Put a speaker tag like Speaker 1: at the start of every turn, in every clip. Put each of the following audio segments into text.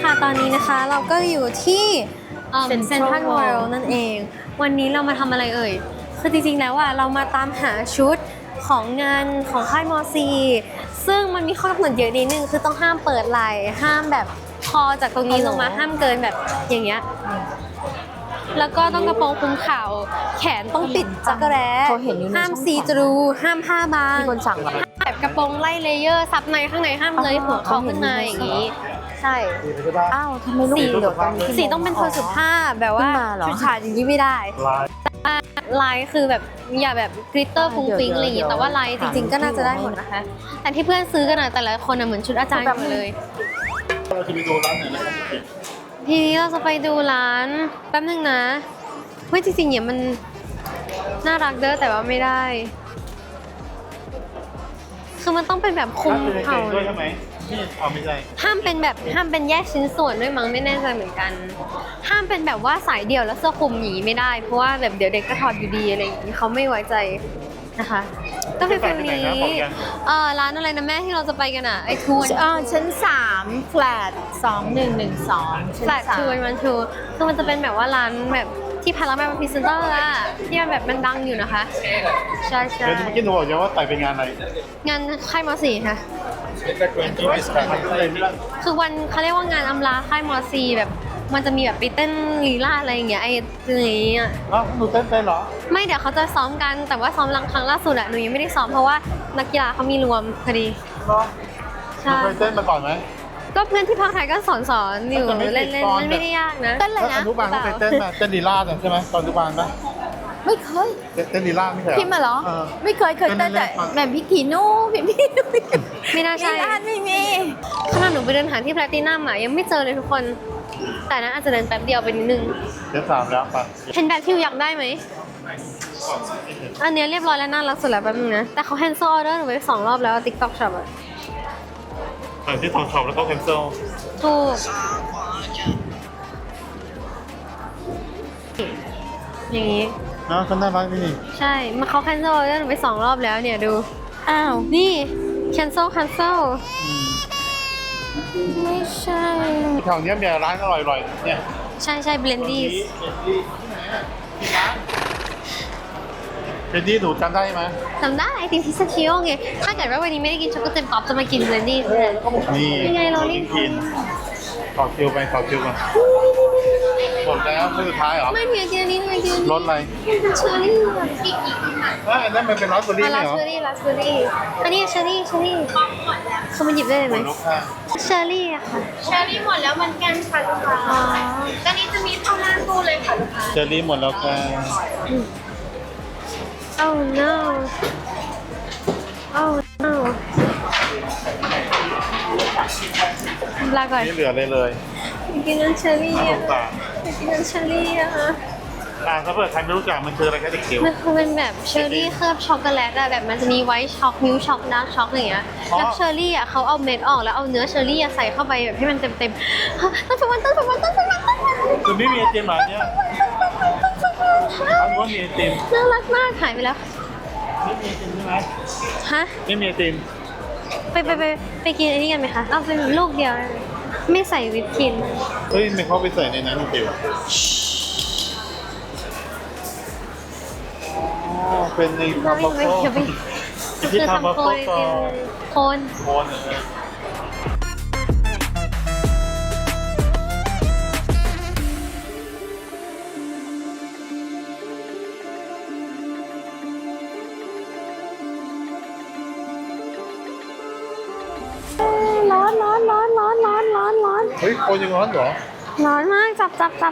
Speaker 1: ค่ะตอนนี้นะคะเราก็อยู่ที่เซ็นทรัลเวิลด์นั่นเองวันนี้เรามาทำอะไรเอ่ยคือจริงๆแล้วอ่ะเรามาตามหาชุดของงานของค่ายมอซีซึ่งมันมีข้อกำหนดเยอะนิดนึงคือต้องห้ามเปิดไหล่ห้ามแบบคอจากตรงนี้ลงมาห้ามเกินแบบอย่างเงี้ยแล้วก็ต้องกระโปรงคลุมเข่าแขนต้องปิดจักรแร้ห้ามซีทรูห้ามผ้าบาง
Speaker 2: มีคนสั่งมา
Speaker 1: แบบกระโปรงไล่เลเยอร์ซับในข้างในห้ามเลยหัวเขาขึ้นมาอย่างนี้ใช่
Speaker 2: อ้าวทำไมลูกเดี๋ยวตอนนี้
Speaker 1: สีต้องเป็นโทนสุภาพแบบว่าชุดฉาดอย่างนี้ไม่ได้ลายคือแบบอย่าแบบกริตเตอร์ฟุ้งฟิ้งอะไรอย่างงี้แต่ว่าลายจริงๆก็น่าจะได้หมดนะคะแต่ที่เพื่อนซื้อกันแต่ละคนเหมือนชุดอาจารย์หมดเลย
Speaker 3: เราจะไปดูร้านไหนนะครับ
Speaker 1: ทีนี้เราจะไปดูร้านแป๊บนึงนะเฮ้ยจริงๆเนี่ยมันน่ารักเด้อแต่ว่าไม่ได้คือมันต้องเป็นแบบคุมเข่า
Speaker 3: ด้วยใช่ไหมนี่เอาไม่ใช่
Speaker 1: ห้ามเป็นแยกชิ้นส่วนด้วยมั้งไม่แน่ใจเหมือนกัน ห้ามเป็นแบบว่าสายเดี่ยวแล้วเสื้อคลุมหนีไม่ได้เพราะว่าแบบเดี๋ยวเด็กก็ถอดอยู่ดีอะไรอย่างนี้เขาไม่ไว้ใจนะคะก็เป็นฟิลนี้ร้านอะไรนะแม่ที่เราจะไปกันอ่ะไอทูน
Speaker 2: ชั้น3 flat 2112
Speaker 1: แฟลตทูนมันทูคือมันจะเป็นแบบว่าร้านแบบที่พาราแมนพรีเซนเตอร์อะที่มันแบบมันดังอยู่นะคะใช่ใช่
Speaker 3: เดี๋ยวเมื่อกี้หนูบอกยังว่าแต่เป็นงานอะไร
Speaker 1: งานค่ายม .4 ค่ะคือวันเขาเรียกว่างานอำลาค่ายม .4 แบบมันจะมีแบบไปเต้นลีลาอะไรอย่างเงี้ยไอ้อย่างเงี้ย
Speaker 3: อ้าวหนูเต้นเป็นเหรอ
Speaker 1: ไม่เดี๋ยวเขาจะซ้อมกันแต่ว่าซ้อมครั้งล่าสุดอะหนูยังไม่ได้ซ้อมเพราะว่านักกีฬาเขามีรวมพอดี
Speaker 3: เหรอหนู
Speaker 1: ใช่
Speaker 3: เคยเต้นมาก่อนไหม
Speaker 1: ก็เพื่อนที่พักไทยก็สอนอยู่เล่นๆมันไม่ได้ยากนะ
Speaker 2: เต้นเลย
Speaker 3: แล้ว
Speaker 2: นะ
Speaker 3: อนุบาลเขาเคยเต้นมาเต้นลีลาดใช่ไหมตอนอนุบาลไหม
Speaker 2: ไม่เคย
Speaker 3: เต้นลีลาดไม่เคย
Speaker 2: พี่มาเหรอ ไม่เคยเต้นแต่แบบพี่ขีนูพี่
Speaker 1: ไม่น่าใช่
Speaker 2: ร้านไม่มี
Speaker 1: ขนาดหนูไปเดินหาที่แพลตินัมอะยังไม่เจอเลยทุกคน แต่นั้นอาจจะเดินแป๊บเดียวไปนิดนึง
Speaker 3: เดี๋ยว3แล้วป่ะ
Speaker 1: เห็นแบบที่อยากได้ไหม อันเนี้ยเรียบร้อยแล้วน่ารักสุดแล้วแป๊บนึงนะ แต่เขาแคนเซิลออเดอร์หนูไป2 รอบแล้ว TikTok Shop อะ
Speaker 3: แต่ที่ทองช็อปแล้วก็แคนเซิล
Speaker 1: ถูกอย่างนี้
Speaker 3: นะเขาน่ารักนี่
Speaker 1: ใช่มาเขาแคนเซิลออเดอร์หนูไป2 รอบแล้วเนี่ยดู
Speaker 2: อ้าว
Speaker 1: นี่แคนเซิล
Speaker 2: ไม่ใช่
Speaker 3: แถวนี้มีร้านอร่อยๆเนี่ย
Speaker 1: ใช่เบลนดี้
Speaker 3: เจนนี่หนูจำได้ไหม
Speaker 1: จำได้ไอติมพิซซ่าชิโอไง ถ้าเกิดว่าวันนี้ไม่ได้กินช็อกโกแลตป๊อปจะมากินเบลนดี้
Speaker 3: นี่
Speaker 1: ยังไงเรารีบ
Speaker 3: กินต่อคิวไปต่อคิวกันหมดแล้วไม่สุดท้ายเหรอ
Speaker 1: ไม่มีกินอันนี้ทำไมกินอันนี้
Speaker 3: รสอะไร
Speaker 1: เป็นเชอร์รี่อะ
Speaker 3: อันนั้นมันเป็นราสเบอร์รี่
Speaker 1: ลา
Speaker 3: ไม่เหร
Speaker 1: ส
Speaker 3: อ
Speaker 1: เบอร์รี่อันนี้เชอร์รี่เขามาหยิบได้เลยไหม
Speaker 3: ลูกค้า
Speaker 1: เชอร์รี่อะค่ะ
Speaker 4: เชอรี่หมดแล้วเหมือนกันค่ะลูกค้า
Speaker 1: อ๋อ
Speaker 4: ตอนนี้จะมีเข้าหน้าตู้เลยค่ะลูกค้า
Speaker 3: เจอรี่หมดแล้วค่ะ
Speaker 1: Oh no Oh no ลาก่อน
Speaker 3: ไม่เหลือเลยเลย
Speaker 1: กินน้ำเชอร์รี่
Speaker 3: น่าส
Speaker 1: อะ
Speaker 3: งสาร
Speaker 1: กินน้ำเชอร์รี่อะ
Speaker 3: ถ้าเปิดใครไม่รู้จักมันคืออะไรแค่เด็กเขียว
Speaker 1: มันคือเป็นแบบเชอร์รี่เคลือบช็อกโกแลตอะแบบมันจะมีไวท์ช็อกมิลช็อกดาร์กช็อกอย่างเงี้ยแล้วเชอร์รี่อะเขาเอาเม็ดออกแล้วเอาเนื้อเชอร์รี่อะใส่เข้าไปแบบให้มันเต็มๆต้องไปวัน
Speaker 3: คือไม่มีไอติมหรอเนี่ยอันว่ามีไอติม
Speaker 1: น่ารักมากหายไปแล้ว
Speaker 3: ไม่มีไอติมใช่ไหม
Speaker 1: ฮะ
Speaker 3: ไม่มีไอติม
Speaker 1: ไปกินอันนี้กันไหมคะเอาเป็นลูกเดียวเลยไม่ใส่วิปครีม
Speaker 3: เฮ้ยไม่เขาไปใส่ในนั้นเดียวอ๋อเป็นในคาร์บอนโฟ
Speaker 1: อย่าไป
Speaker 3: ที่คาร์บอนโฟ
Speaker 1: โคน
Speaker 3: โคน
Speaker 1: ร้อน
Speaker 3: เฮ้ยโคนยังร้อนเหรอ
Speaker 1: ร้อนมากจับ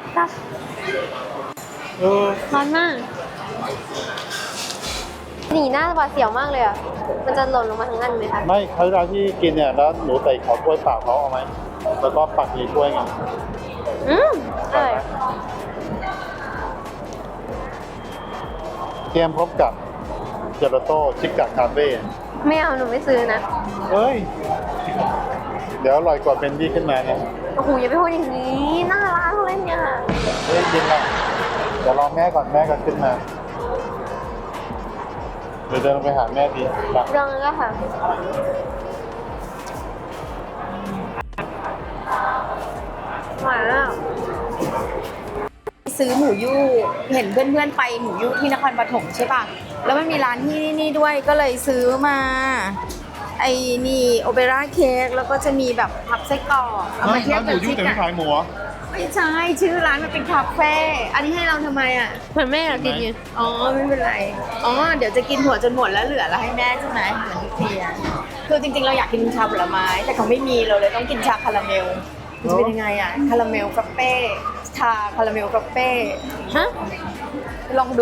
Speaker 3: เออ
Speaker 1: ร้อนมากหนีหน้าหวาดเสียวมากเลยอ่ะมันจะหล่นลงมาทั้งอันไหมคะ
Speaker 3: ไม่เขาเวลาที่กินเนี่ยแล้วหนูใส่ขอกล้วยเปล่าเขาเอาไหมแล้วก็ปักในถ้วยไง
Speaker 1: ใช่
Speaker 3: เตรียมพบกับเจลาโต้ชิคกะคาเฟ่
Speaker 1: ไม่เอาหนูไม่ซื้อนะ
Speaker 3: เฮ้ย เดี๋ยวอร่อยกว่าเป็นดี้ขึ้นมาเนี่ย
Speaker 1: โอ้โหอย่าไปพูดอย่างนี้น่ารักเลยเนี่ย
Speaker 3: เฮ้ยยินละเดี๋ยวรอแม่ก่อนแม่ก็ขึ้นมา เดี๋ยวเดินลงไปหาแม่ดีไป
Speaker 1: ลองก็ค่ะ
Speaker 2: ซื้อหมูยู่เห็นเพื่อนๆไปหมูยู่ที่นครปฐมใช่ป่ะแล้วมันมีร้านที่นี่ด้วยก็เลยซื้อมาไอ้นี่โอเปร่าเค้กแล้วก็จะมีแบบพับไส้กรอกเอามาเทียบ
Speaker 3: ร้านห
Speaker 2: กั
Speaker 3: มู
Speaker 2: บ
Speaker 3: ยุ่
Speaker 2: ที่
Speaker 3: แต่
Speaker 2: กั
Speaker 3: ไม่
Speaker 2: น
Speaker 3: ขายหมูเหรอ
Speaker 2: ไม่ใช่ชื่อร้านมันเป็นคาเฟ่อันนี้ให้เราทำไมอ่ะ
Speaker 1: เหมือนแม่อยากกินไง
Speaker 2: อ๋อไม่เป็นไรอ๋อเดี๋ยวจะกินหัวจนหมดแล้วเหลือแล้วให้แม่ใช่ไหมเหมือนทุกทีอะคือจริงๆเราอยากกินชาผลไม้แต่เขาไม่มีเราเลยต้องกินชาคาราเมลมันจะเป็นยังไงอ่ะคาราเมลฟรัปเป้ชาคาราเมลฟรัปเป้ฮะลองดู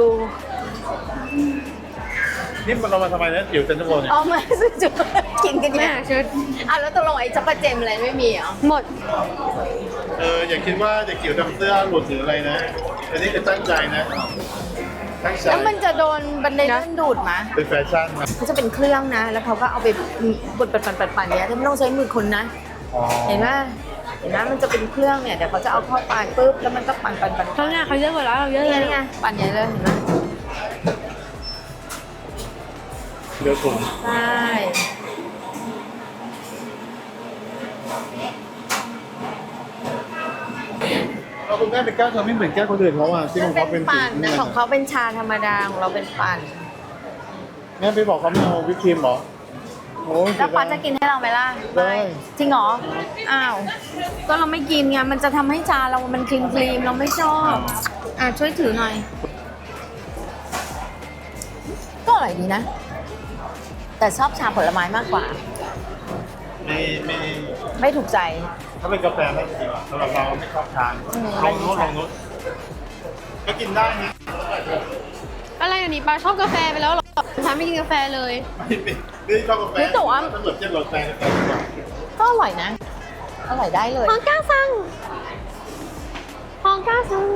Speaker 3: นี่มันเรามาทำไมนะจิ๋วเซ็นทรัลเวิลด์เนี่ย
Speaker 2: อ๋อไม่ซื้อจุดกินกัน
Speaker 1: แม่
Speaker 2: เนี่ย
Speaker 1: ชุด
Speaker 2: แล้วตกลงไอ้จักรเจมอะไรไม่มีเหรอ
Speaker 1: หมด
Speaker 3: อย่าคิดว่าเด็กจิ๋วทำเสื้อหลุดหรืออะไรนะอันนี้คือตั้งใจนะตั้งใจ
Speaker 2: แล้วมันจะโดนบันไดเลื่อนดูดไหม
Speaker 3: เป็นแฟชั่นนะ
Speaker 2: เขาจะเป็นเครื่องนะ แล้วเขาก็เอาไปบดปั่นๆเนี่ยไม่ต้องใช้มือคนนะ
Speaker 3: อ๋อ
Speaker 2: เห็นไหมมันจะเป็นเครื่องเนี่ยเดี๋ยวเขาจะเอาเข้าไปปุ๊บแล้วมันก็ปั่น
Speaker 1: เขาเนี่ยเขาเยอะกว่าเราเยอะ
Speaker 2: นี่
Speaker 1: เลย
Speaker 2: ไงปั่นใหญ่เลยเห็นไหม
Speaker 3: เดี๋ยวถุง
Speaker 2: ใช่
Speaker 3: เราคุณแม่เป็นแก้วเธอไม่เหมือนแก้วคนอื่นเขาอ่ะที่ของเขาเป็นสี
Speaker 2: ปั่นนะของเขาเป็นชาธรรมดาของเราเป็นปั่น
Speaker 3: แม่ไปบอกเขาไม่เอาวิปครีมเหรอโอ้ย
Speaker 2: แล้วปาจะกินให้เราไหมล่ะ
Speaker 3: ได้
Speaker 2: จริงเหรออ้าวก็เราไม่กินไงมันจะทำให้ชาเรามันครีมเราไม่ชอบช่วยถือหน่อยก็อร่อยดีนะ แต่ชอบชาผลไม้มากกว่า
Speaker 3: ไม่
Speaker 2: ไม่ถูกใจ
Speaker 3: ถ้าเป็นกาแฟไม่ดีกว่าสำหรับเราไม่ชอบทาน
Speaker 2: อืม
Speaker 3: ลองนู้นก็กินได้นะ
Speaker 1: อะไรอย่างนี้ปาชอบกาแฟไปแล้วเหรอฉันไม่กินกาแฟเลย
Speaker 3: ไม่ชอบกาแฟถ้าเกิดเทียบรสแฟกาแฟดีกว่า
Speaker 2: ก็อร่อยนะ อร่อยได้เลย
Speaker 1: ฮองก้าซังฮองก้าซัง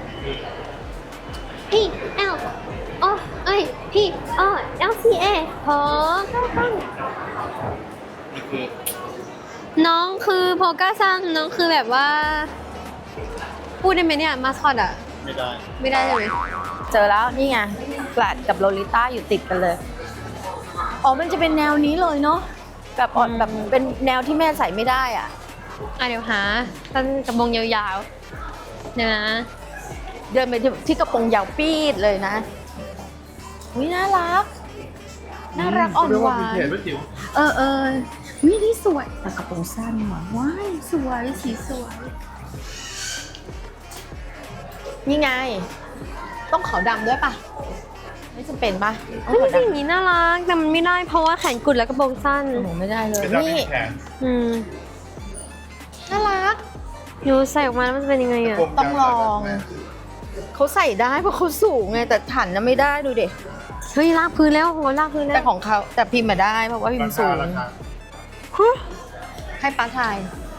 Speaker 1: P L O เอ้ย P O L C A ฮองก้าซัง
Speaker 3: นี่คือ
Speaker 1: น้องคือโพก้าซังน้องคือแบบว่า พูดได้ไหมเนี่ยมาสคอตอะ
Speaker 3: ไม่ได้
Speaker 1: ไม่ได้ใช่ไหม
Speaker 2: เจอแล้วนี่ไงแฟลตกับโลลิต้าอยู่ติดกันเลย อ๋อ มันจะเป็นแนวนี้เลยเนาะแบบอ่อนแบบเป็นแนวที่แม่ใส่ไม่ได้อ่ะ
Speaker 1: เดี๋ยวหาสั้นกระบงยาวๆเดี๋ยวนะ
Speaker 2: เดินไปที่กระโปรงยาวปีดเลยนะวิน่ารัก น่ารักอ่อนหวา
Speaker 3: เรียกว่วิน
Speaker 2: น
Speaker 3: เทจป่ะจิ๋ว
Speaker 2: วินี่สวยแต่กระโปรงสั้นว่ะว้ายสวยสีสวย นี่ไง ต้องขาวดำด้วยปะไม่จำเป็นปะต้อง
Speaker 1: เฮ้ย
Speaker 2: ขาว
Speaker 1: จริงๆอ
Speaker 2: ดำ
Speaker 1: ย่างนี้น่ารักแต่มันไม่ได้เพราะว่าแขนกุดและกระโปรงสั้น
Speaker 2: หนูไม่ได้เลย
Speaker 3: เป็นด้าน
Speaker 2: นี่
Speaker 3: แขน
Speaker 1: อืม
Speaker 2: น่ารัก
Speaker 1: หนูใส่ออกมาแล้วมันจะเป็นยังไงอะ
Speaker 2: ต้องลอง เขาใส่ได้เพราะเขาสูงไงแต่ถันน่ะไม่ได้ดูดิ
Speaker 1: เฮ้ยลากพื้นแล้วโหลากพื้นแล้
Speaker 2: แต่
Speaker 1: ว
Speaker 2: ของเขาแต่พิมพ์มาได้เพราะว่าพิมพ์สูง
Speaker 3: ราคา
Speaker 1: ฮะ
Speaker 2: ให้ป้าทาย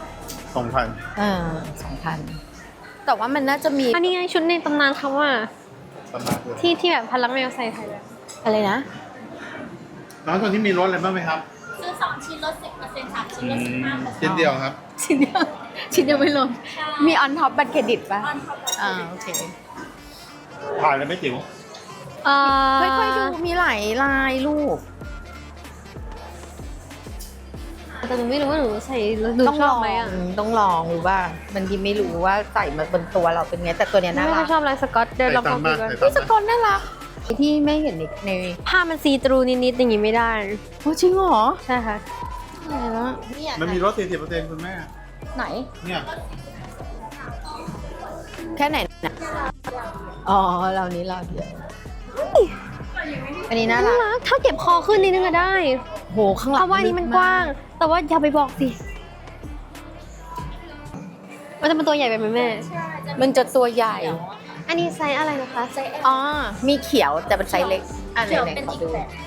Speaker 3: 2,000
Speaker 2: 2,000แต่ว่ามันน่าจะมี
Speaker 1: อันนี้ไงชุดในตำนานเขาว่า
Speaker 3: ประมาณนั้น
Speaker 1: ที่แบบพลังแมวใส่ไทยแล้ว
Speaker 2: อะไรนะ
Speaker 3: น้องตอนนี้มีรถอะไรบ้างไหมครับ
Speaker 4: ซื้อ2 ชิ้นลด 10% 3 ชิ้นลด 15%
Speaker 3: ชิ้นเดียวครับ
Speaker 2: ชิ้นเดียวชิ้นเดียวไม่ลงมีออนท็อปบัตรเครดิตป่ะโอเค
Speaker 3: ผ่านเลยไหมจิ๋ว
Speaker 2: ค่อยๆดูมีหลายลายลูก
Speaker 1: แต่หนูไม่รู้ว่าหนูใส่แล้วหนู
Speaker 2: ต้อง
Speaker 1: ช
Speaker 2: ล
Speaker 1: อบ
Speaker 2: อง
Speaker 1: ไหมอะ
Speaker 2: ต้องลองหรือว่ามันที่ไม่รู้ว่าใส่มาบนตัวเราเป็นไงแต่ตัวเนี้ย
Speaker 1: ไม่
Speaker 2: น่า
Speaker 1: ค่
Speaker 2: รั
Speaker 1: อก ยชอบลายสก๊อตเดี๋ยวลองลองดูกัน
Speaker 3: ใส่
Speaker 2: เฮ้ยส
Speaker 3: ตาม
Speaker 2: กอตน่ารักที่ไม่เห็นใน
Speaker 1: ผ้ามันซีตรูนิดๆอย่างงี้ไม่ได้
Speaker 2: โอ้จริงเหรอ
Speaker 1: ใช่ค่ะ
Speaker 2: อะไรละเนี่ย
Speaker 3: มันมีรถ 40%คุณแม่
Speaker 2: ไหน
Speaker 3: เนี่ย
Speaker 2: แค่ไหนนะอ๋อเรานี้เราเดียวอันนี้น่า
Speaker 1: น่า
Speaker 2: รัก
Speaker 1: รักถ้าเก็บคอขึ้นนิดนึงก็ได้
Speaker 2: โหข้างหลัง
Speaker 1: เพราะว่าอันนี้มันกว้าง แต่ว่าอย่าไปบอกสิมันจะเป็นตัวใหญ่ไปไหมแม่
Speaker 2: มันจะตัวใหญ่
Speaker 1: อันนี้ไซส์อะไรนะคะไซส์
Speaker 2: อ๋อมีเขียวแต่เป็นไซส์เล็กอันไหนไหนขอดู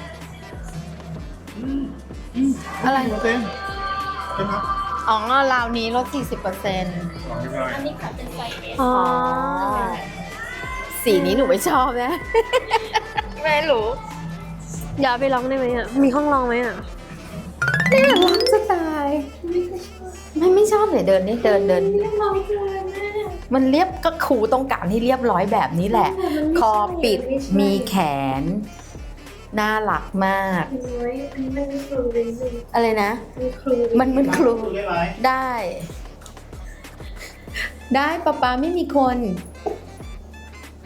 Speaker 3: อะไรเต็มใช่ไหม
Speaker 2: อ๋อราวนี้ลด 40%
Speaker 4: อันนี้ค่ะเป็นไซส์ S
Speaker 1: อ๋อ
Speaker 2: สีนี้หนูไม่ชอบนะ ไม่รู้
Speaker 1: อย่าไปร้องได้ไหมอ่ะ มีห้องร้องไหมอ่ะ
Speaker 2: น่ารักจะตายไม่ชอบเลยเดินนี่เดินมันเรียบก็ครูต้องการให้เรียบร้อยแบบนี้แหละ คอปิดมีแขน น่ารักมาก อะไรนะ มันครู
Speaker 3: ได้ไหม
Speaker 2: ได้ป๊าป๊าไม่มีคน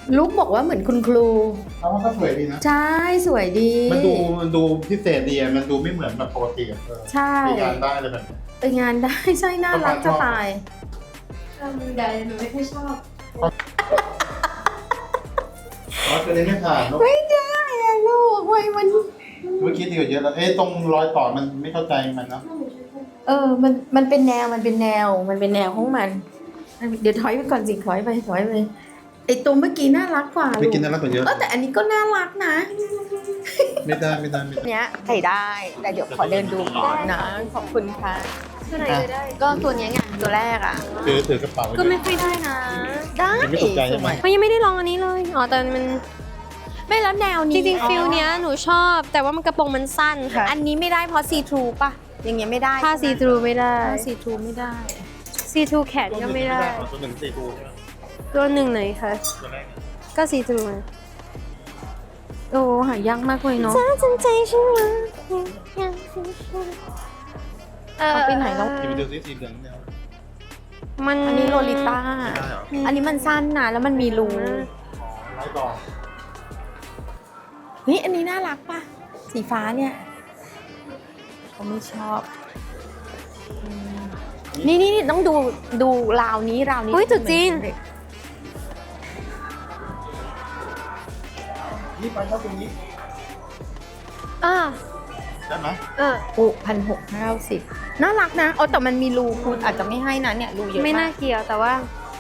Speaker 2: ลุกบอกว่าเหมือนคุณครู
Speaker 3: เขาว่าก็สวยดีนะ
Speaker 2: ใช่สวยดี
Speaker 3: มันดูพิเศษดีอะมันดูไม่เหมือนแบบปกติอะ
Speaker 2: ใช่
Speaker 3: ไปงานได้เลยแบบนี้
Speaker 2: ไปงานได้ ใช่น่ารักจะตาย
Speaker 1: มือใดหนูไม่ค่อยชอบ
Speaker 3: อ๋อตัวนี้ไม่ผ่านเนอะ
Speaker 2: ไม่ได้อะลูกเว้ยมัน
Speaker 3: เมื่อกี้ดีกว่าเยอะแล้วตรงรอยต่อมันไม่เข้าใจมันเนาะ
Speaker 2: มันเป็นแนวมันเป็นแนวของมัน เดี๋ยวถอยไปก่อนสิถอยไปไอตัวเมื่อกี้น่ารักกว่า
Speaker 3: ไปกินน่ารักกว่าเยอะ
Speaker 2: แต่อันนี้ก็น่ารักนะ
Speaker 3: ไม่ได้
Speaker 2: เนี้ยใส่ได้แต่เดี๋ยวขอเดินดูก่อนนะขอบคุณค่ะ
Speaker 1: ตัวไหนก็ได้
Speaker 2: ก็ตัวเนี้ยไงตัวแรกอ่ะ
Speaker 3: ถือกระเป๋า
Speaker 1: ก็ไม่ค่อยได้นะ
Speaker 2: ได้
Speaker 3: ไม่ตกใจใช่ไหม
Speaker 1: มันยังไม่ได้ลองอันนี้เลย อ๋อแต่มัน
Speaker 2: ไม่แล้วแนว
Speaker 1: จ
Speaker 2: นี้
Speaker 1: ริงๆฟิลเนี้ยหนูชอบ แต่ว่ามันกระโปรงมันสั้นค่ะ
Speaker 2: อันนี้ไม่ได้เพราะซีทรูป่ะอย่างเงี้ยไม่ได้
Speaker 1: ผ้าซีทรูไม่ได้
Speaker 2: ผ้าซีทรูไม่ได้
Speaker 1: ซีทรูแขนก็ไม่ได้
Speaker 3: ตัวหนึ่ง4 ดูใช่ไหม
Speaker 1: ตัวหนึ่งไหนคะ
Speaker 3: ตัวแรก
Speaker 1: ก็ซีทรู
Speaker 2: โอ้หายากมากเลยเนาะ
Speaker 1: จ้าจนใจฉันว่า
Speaker 2: เอาไปไหนแล้ว
Speaker 3: ที่ไปดูซิสีเหลืองเนี่ย
Speaker 1: มัน
Speaker 2: อันนี้โลลิต้า
Speaker 3: ไม่ได้เหรอ
Speaker 2: อันนี้มันสั้นนะแล้วมันมีรู
Speaker 3: ร้อยต่อ
Speaker 2: เฮ้ยอันนี้น่ารักป่ะสีฟ้าเนี่ยเขาไม่ชอบนี่ต้องดูราวนี้
Speaker 1: อุ้ยจุดจีน
Speaker 3: นี่ไปเข้าตรงนี้ ได้ไหม
Speaker 2: โอ้1,690น่ารักนะแต่มันมีรูคุณอาจจะไม่ให้นะเนี่ยรูเยอะ
Speaker 1: ไม่
Speaker 2: มา
Speaker 1: น่าก เกี่ยวแต่ว่า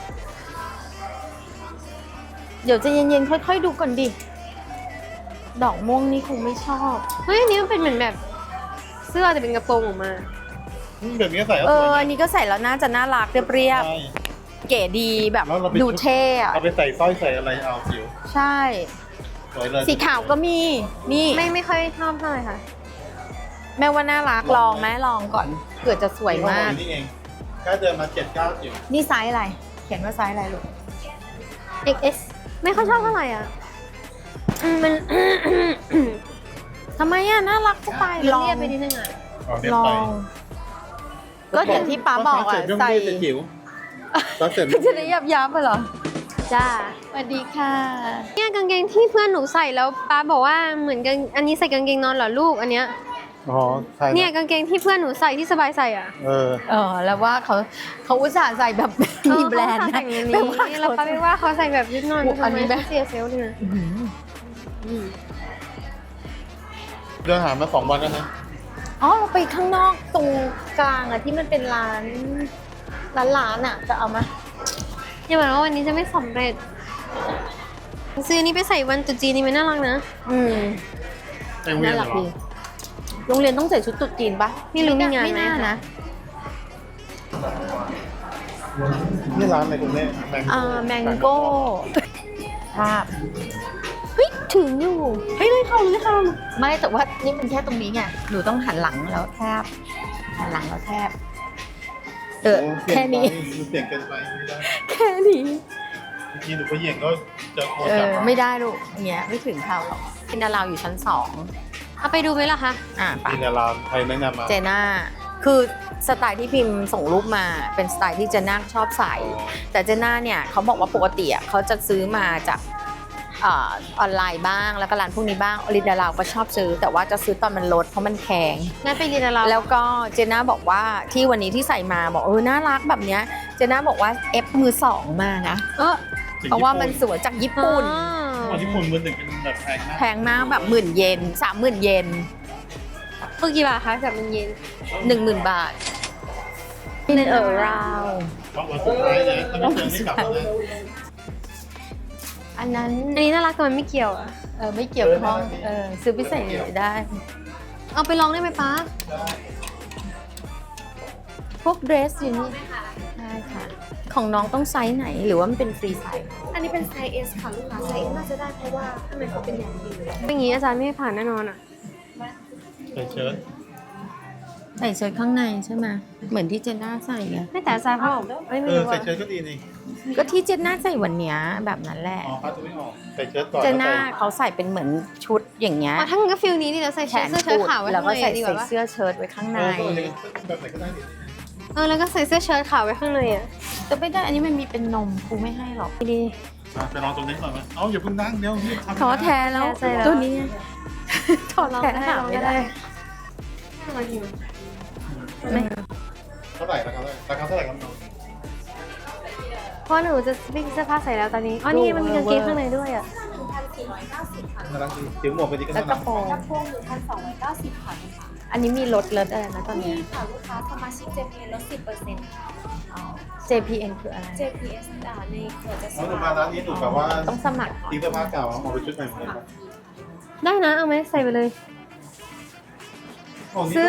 Speaker 2: เดี๋ยวจะเย็นๆค่อยๆดูก่อนดิดอกม่วงนี่คงไม่ชอบ
Speaker 1: เฮ้ยอันนี้มันเป็นเหมือนแบบเสื้อแต่เป็นกระโปรงออกมา
Speaker 3: แบบนี้ใส่ก็สวย
Speaker 2: อันนี้ก็ใส่แล้วน่าจะน่ารักเรียบ
Speaker 3: ใช่
Speaker 2: ๆเก๋ดีแบบ
Speaker 3: แล้วเราไป
Speaker 2: ดูเท่อะ
Speaker 3: เอาไปใส่สร้อยใส่อะไรเอาผิว
Speaker 2: ใช่
Speaker 3: สวยเลย
Speaker 2: สีขาวก็มีนี่
Speaker 1: ไม่ค่อยชอบเท่าไหร่ค่ะ
Speaker 2: แม่ว่าน่ารักลองไหมลองก่อนเผื่อจะสวยมาก
Speaker 3: นี่เองแค่เดินมา7-9จิ๋ว
Speaker 2: นี่ไซส์อะไรเขียนว่าไซส์อะไรลูก
Speaker 1: XS ไม่ค่อยชอบเท่าไหร่อ่ะมัน
Speaker 2: ทำไมอ่ะน่ารักจะตายลอง
Speaker 1: เรียบไปนิดนึงอ่ะ
Speaker 3: เรีย
Speaker 2: ล
Speaker 3: บ
Speaker 2: อ
Speaker 3: ไป
Speaker 2: ง ก็อย่างที่ป๊าบอกอ่ะใส่
Speaker 3: จะจิ๋วซอสเสร็จ
Speaker 2: จะได้ยับเหรอ
Speaker 1: จ้า
Speaker 2: สวัสดีค่ะ
Speaker 1: เนี่ยกางเกงที่เพื่อนหนูใส่แล้วป้าบอกว่าเหมือนกันอันนี้ใส่กางเกงนอนเหรอลูกอันเนี้ย
Speaker 3: อ๋อใช่
Speaker 1: เนี่ยกางเกงที่เพื่อนหนูใส่ที่สบายใส่อ่ะ
Speaker 2: แล้วว่าเขาอุตส่าห์ใส่แบบมีแบรนด์
Speaker 1: เขา
Speaker 2: นะ
Speaker 1: ใส่อย่าง
Speaker 2: แปล
Speaker 1: นี้
Speaker 2: ว่า
Speaker 1: แล้วป้าไปว่าเขาใส่แบบนิดหน่อย
Speaker 2: อันนี้
Speaker 1: ทำไม
Speaker 2: แบบ
Speaker 1: เสียเซลล์เนี่ย
Speaker 3: เดินหามา2 วันแล้วนะ
Speaker 2: อ๋อเราไปข้างนอกตรงกลางอ่ะที่มันเป็นร้านอ่ะจะเอามา
Speaker 1: อย่าบอกว่าวันนี้จะไม่สำเร็จซื้อนี้ไปใส่วันตรุษจีนนี่มันน่ารักนะ
Speaker 3: ไปโรงเรีย
Speaker 2: น่าน
Speaker 3: เหร
Speaker 2: รัก
Speaker 3: อ
Speaker 2: ดีโรงเรียนต้องใส่ชุดตุ๊ดจีนปะ
Speaker 1: ไม่รู้มีงานไหม
Speaker 2: ไม่น่านะ
Speaker 3: นี่ร้านอะไรคุณแม่
Speaker 2: แมงโก้ภาพ
Speaker 1: เฮ้ยถึงอยู่
Speaker 2: เลยเข้าไม่แต่ว่านี่มันแค่ตรงนี้ไงหนูต้องหันหลังแล้วแทบหันหลังแล้วแทบแค่นี้
Speaker 3: เปลี่ยนเกินไปไม่ได้
Speaker 2: แค่นี้
Speaker 3: เมื่อกี้หนูก็เหยียงก็จะโคตร
Speaker 2: ไม่ได้ลูกเนี้ยไม่ถึงเขาหรอกเป็นดาราวอยู่ชั้น2
Speaker 1: เอาไปดูไหมล่ะคะ
Speaker 2: ไป
Speaker 3: มีดาราใครแนะนำมา
Speaker 2: เจน่าคือสไตล์ที่พิมพ์ส่งรูปมาเป็นสไตล์ที่เจน่าชอบใส่ แต่เจน่าเนี่ยเขาบอกว่าปกติเขาจะซื้อมาจากออนไลน์บ้างแล้วก็ร้านพวกนี้บ้างอลินดาราวก็ชอบซื้อแต่ว่าจะซื้อตอนมันลดเพราะมันแพง
Speaker 1: งั้นไปเรียนเรา
Speaker 2: แล้วก็เจน่าบอกว่าที่วันนี้ที่ใส่มาบอกน่ารักแบบเนี้ยเจน่าบอกว่าเอฟมือสองมานะเพราะว่ามันสวยจากญี่ปุ่น
Speaker 3: คนญี่ปุ่นมือหนึ่งเป็นแบบแพงนะ
Speaker 2: แพงมากแบบ10,000 เยน30,000 เยน
Speaker 1: คือกี่บาทคะแบบมันเย็น
Speaker 2: 10,000 บาทเป็นราว
Speaker 3: เพราะวันสุดท้ายนะถ้าไม่เจอไม่กลับนะ
Speaker 2: อันนั้น
Speaker 1: อันนี้น่ารักแต่มันไม่เกี่ยวอ่ะ
Speaker 2: ไม่เกี่ยวข้องซื้อไปใส่ได้
Speaker 1: เอาไปลองได้ไหมป้า
Speaker 2: พวกเดรสอยู่นี่ได้ค่ะ ของน้องต้องไซส์ไหนหรือว่ามันเป็นฟรีไซส์
Speaker 1: อันนี้เป็นไซส์ S ค่ะลูกค้าไซส์ S น่าจะได้เพราะว่าข้างในเขาเป็นอย่างดีอย่างนี้อาจารย์ไม่ให้ผ่านแน่นอนอ่ะ
Speaker 3: ใส่เชิ้ต
Speaker 2: ใส่เชิ้ตข้างในใช่ไหมเหมือนที่เจนน่าใส่ไง
Speaker 1: ไม่แต่อาจารย์เขาบอกไม่รู้
Speaker 3: ใส่
Speaker 1: อ่ะ
Speaker 3: เชิ้ตก็ดีนี่
Speaker 2: ก็ที่เจนน่าใส่วันเนี้ยแบบนั้นแหละ
Speaker 3: อ๋อเขาจะไม่ออกใส่เชิ้ตก่อน
Speaker 2: เจนน่าเขาใส่เป็นเหมือนชุดอย่างเงี้ย
Speaker 1: ถ้างั้นก็ฟิลนี้นี่เราใส่
Speaker 2: แข
Speaker 1: เสื้
Speaker 2: น
Speaker 1: อเชิ้ต
Speaker 2: กุด
Speaker 1: ขาวไว้
Speaker 2: แล้ว
Speaker 1: ข้าง
Speaker 2: ก็
Speaker 1: ใน
Speaker 2: ใส่
Speaker 1: ดีกว่าปะ
Speaker 2: เสื้อเชิ้ตไว้ข้างใน
Speaker 3: แบบไหนก็ได้ดิ
Speaker 1: แล้วก็ใส่เสื้อเชิ้ตขาวไว้ข้างในอ่ะ
Speaker 2: แต่ไม่ได้อันนี้มันมีเป็นนมครูไม่ให้หรอก
Speaker 1: ดี
Speaker 3: ไปลองตรงนี้ก่อนไหมเอ้าอย่าเพิ่งนั่งเดี๋ยวรีบทำ
Speaker 2: ท้อแท้แล้ว
Speaker 1: ใช่แล้ว
Speaker 2: ตัวนี้ท้อ
Speaker 1: ลอง
Speaker 2: แท้
Speaker 1: ได้
Speaker 2: หา
Speaker 1: ลอง
Speaker 2: ไม่
Speaker 1: ได้
Speaker 2: ได้
Speaker 1: ไม่
Speaker 3: เท่าไหร่ราคาเท่าไหร่ครับน้อง
Speaker 1: เพราะหนูจะวิ่งเสื้อผ้าใส่แล้วตอนนี้อ๋อนี่มันมีกางเกงข้างในด้วยอ่ะ
Speaker 3: น่ารักดีถือหมวกไปดีก็
Speaker 2: แล้ว
Speaker 3: น่าก รั
Speaker 2: ระ
Speaker 3: ก
Speaker 2: โปรง
Speaker 4: กระโปรง1,290ค่ะ
Speaker 2: อันนี้มีลดอะไรนะตอน
Speaker 4: มี
Speaker 2: นี้
Speaker 4: ค่ะลูกค้าสมาชิก JPN ลด 10%
Speaker 2: JPN คืออะไร
Speaker 4: JPS ในเครือจะส
Speaker 3: น้องหนู
Speaker 4: มั
Speaker 3: มา
Speaker 4: คร
Speaker 3: ร้านนี้หนูแบบว่า
Speaker 2: ต้องสมัคร
Speaker 3: ทิ้งเสื้อผ้าเก่าเอาไปชุดใหม่หมดเลยครับ
Speaker 1: ได้นะเอาไหมใส่ไปเลย
Speaker 3: โอ้นี่
Speaker 2: เสื้อ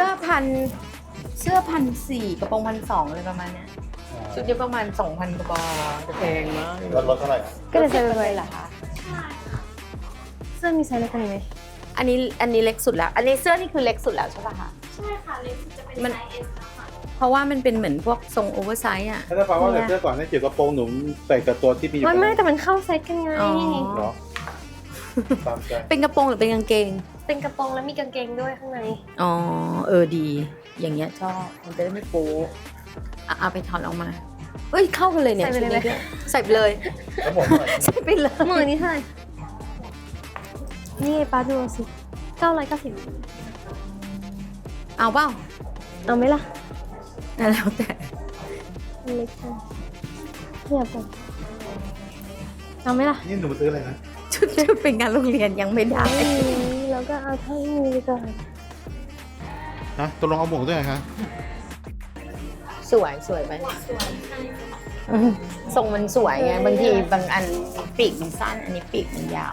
Speaker 2: 1,400กระโปรง1,200อะไรประมาณเนี้ยชุดเดียวประมาณ 2,000 กว่าบาทจะแพงมาก
Speaker 3: ลดเท่าไหร่
Speaker 1: ก็เลยใส่ไป
Speaker 2: เล
Speaker 1: เลย ย
Speaker 2: เหรอคะ
Speaker 1: เสื้อมีไซส์เล็กกว่านี้ไหม
Speaker 2: อันนี้เล็กสุดแล้ว อันนี้เสื้อนี่คือเล็กสุดแล้วใช่ป่ะคะ
Speaker 4: ใช่ค่ะเล็กสุดจะเป็น
Speaker 2: มัน
Speaker 4: ไซส์ S นะคะ
Speaker 2: เพราะว่ามันเป็นเหมือนพวกทรงโอเวอร์ไซส์อ่ะ
Speaker 3: ถ้าแปลว่าเสื้อก่อนนี่เกี่ยวกับโปรงหนุ่มใส่กับตัวที่มีอยู่
Speaker 1: ไม่แต่มันเข้าเซตกันไง
Speaker 2: อ๋อ
Speaker 3: เหรอตามใจ
Speaker 2: เป็นกระโปรงหรือเป็นกางเกง
Speaker 1: เป็นกระโปรงแล้วมีกางเกงด้วยข้างใน
Speaker 2: อ๋อดี อย่างเงี้ยชอบมันจะได้ไม่โป๊ะเอาไปถอดออกมาเอ้ยเข้ากันเลยเนี่ย
Speaker 1: ใส่ไปเลยไหม
Speaker 2: ชุดนี้ด้วยใส่ไปเลย
Speaker 3: แล้วผมเท่าไหร่
Speaker 2: ใส่ไปเลย
Speaker 1: หมื่นนี้เท่าไหร่นี่ป้าดูสิ990
Speaker 2: เอาเปล่า
Speaker 1: เอาไหมล่ะ
Speaker 2: แล้วแต่
Speaker 1: มันเล็กจังเทียบกันเอาไหมล่ะ
Speaker 3: นี่หนูมาซื้ออะไรนะ
Speaker 2: ชุดเป็นงานโรงเรียนยังไม่ได้
Speaker 1: แล้วก็เอาเท่านี้ไปก่อน
Speaker 3: ฮะตกลงเอาหมวกด้วยเหรอคะ
Speaker 2: สวยไหมอืมทรงมันสวยไงบางทีบางอันปีกมันสั้น อันนี้ปีกมันยาว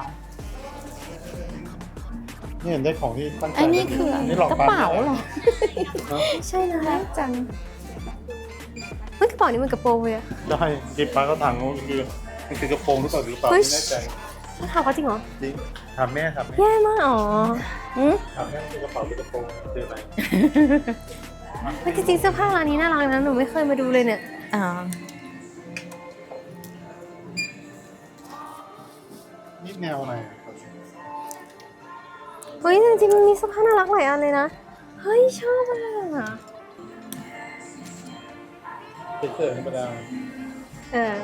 Speaker 3: นี่เห็นได้ของที่ตั้งใจ
Speaker 2: อันนี้คือ
Speaker 3: นี่หลอก
Speaker 2: กระ
Speaker 3: ปั๊ม
Speaker 2: เป๋าเหรอ
Speaker 1: ใช่นะ
Speaker 2: จัง
Speaker 1: เฮ้ยกระเป๋านี้มันกระโปรงเลยอะ
Speaker 3: ได้จิบปลากระถางมันคือกระโปรงหรือเปล่าหรือเปล่า
Speaker 1: เฮ้ย
Speaker 3: ไม่แน่ใจ
Speaker 1: มันถามเขาจริงเหรอ
Speaker 3: จริงถามแม่ถามแม่
Speaker 1: แย่มากอ๋อ
Speaker 3: ถามแม่คือกระเป๋าหรือกระโปรงเจอไหม
Speaker 1: เฮ้ยจริงๆเสื้อผ้าร้านนี้น่ารักนะหนูไม่เคยมาดูเลยเนี่ย
Speaker 2: อ่า
Speaker 3: นี่แนวอะไรอะ
Speaker 1: เฮ้ยจริงๆมันมีเสื้อผ้าน่ารักหลายอันเลยนะ เฮ้ยชอบอ่ะ
Speaker 3: เสื้อธรรมดา
Speaker 1: เออ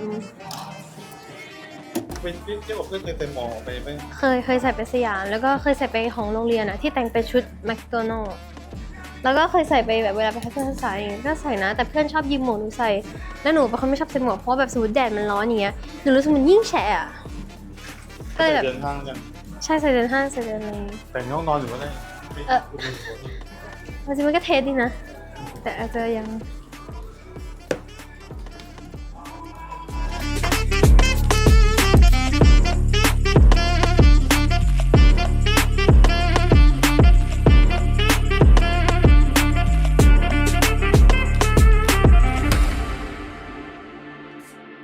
Speaker 3: เป็นเที่ยวกับเพื่อนเคยไปมองไปไหม
Speaker 1: เคยใส่ไปสยามแล้วก็เคยใส่ไปของโรงเรียนอะที่แต่งเป็นชุดแมคโดนัลล์แล้วก็เคยใส่ไปแบบเวลาไปทัศนศึกษาอย่างเงี้ยก็ใส่นะ แต่เพื่อนชอบยืมหมวกหนูใส่แล้วหนูเป็นคนไม่ชอบใส่หมวกเพราะว่าแบบสมมติแดดมันร้อนอย่างเงี้ยหนูรู้สึกมันยิ่งแฉะอะก็เลยแบบ
Speaker 3: เดินห้างกัน
Speaker 1: ใช่ใส่เดินห้างใส่เดินอะไรอย่างงี้
Speaker 3: แต่งห้องนอนอยู่ก็ได้
Speaker 1: จริงๆมันก็เทสดีนะ แต่อาจจะยัง